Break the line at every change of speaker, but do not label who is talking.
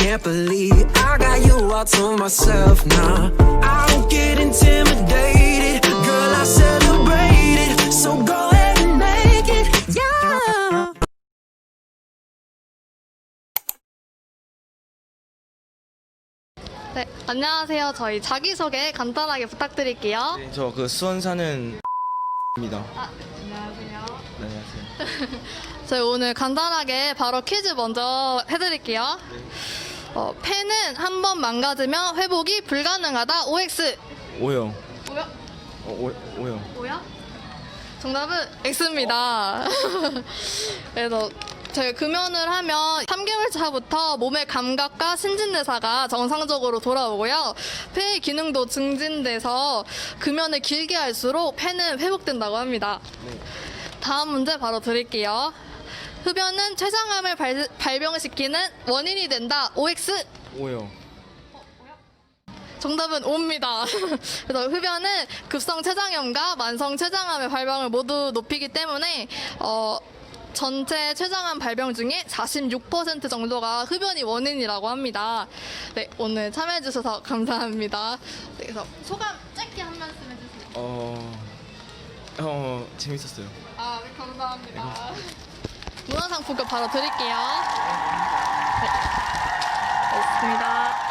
can't believe I got you all to myself now. I don't get intimidated, girl, I celebrate it. So go ahead and make it, yeah.
네, 안녕하세요. 저희 자기소개 간단하게 부탁드릴게요.
네, 저 그 수원 사는 입니다.
안녕하세요.
네, 안녕하세요.
저희 오늘 간단하게 바로 퀴즈 먼저 해드릴게요. 펜은 한 번 망가지면 회복이 불가능하다. OX.
O요.
뭐야?
O요.
뭐야? 정답은 X입니다. 그래서 저희 금연을 하면 3개월 차부터 몸의 감각과 신진대사가 정상적으로 돌아오고요. 폐의 기능도 증진돼서 금연을 길게 할수록 폐는 회복된다고 합니다.
네.
다음 문제 바로 드릴게요. 흡연은 췌장암을 발병시키는 원인이 된다. OX.
O요.
정답은 O입니다. 그래서 흡연은 급성 췌장염과 만성 췌장암의 발병을 모두 높이기 때문에 전체 췌장암 발병 중에 46% 정도가 흡연이 원인이라고 합니다. 네, 오늘 참여해 주셔서 감사합니다. 네, 그래서 소감 짧게 한 말씀 해주세요.
재밌었어요.
아, 네, 감사합니다. 문화상품권 바로 드릴게요. 네, 고맙습니다.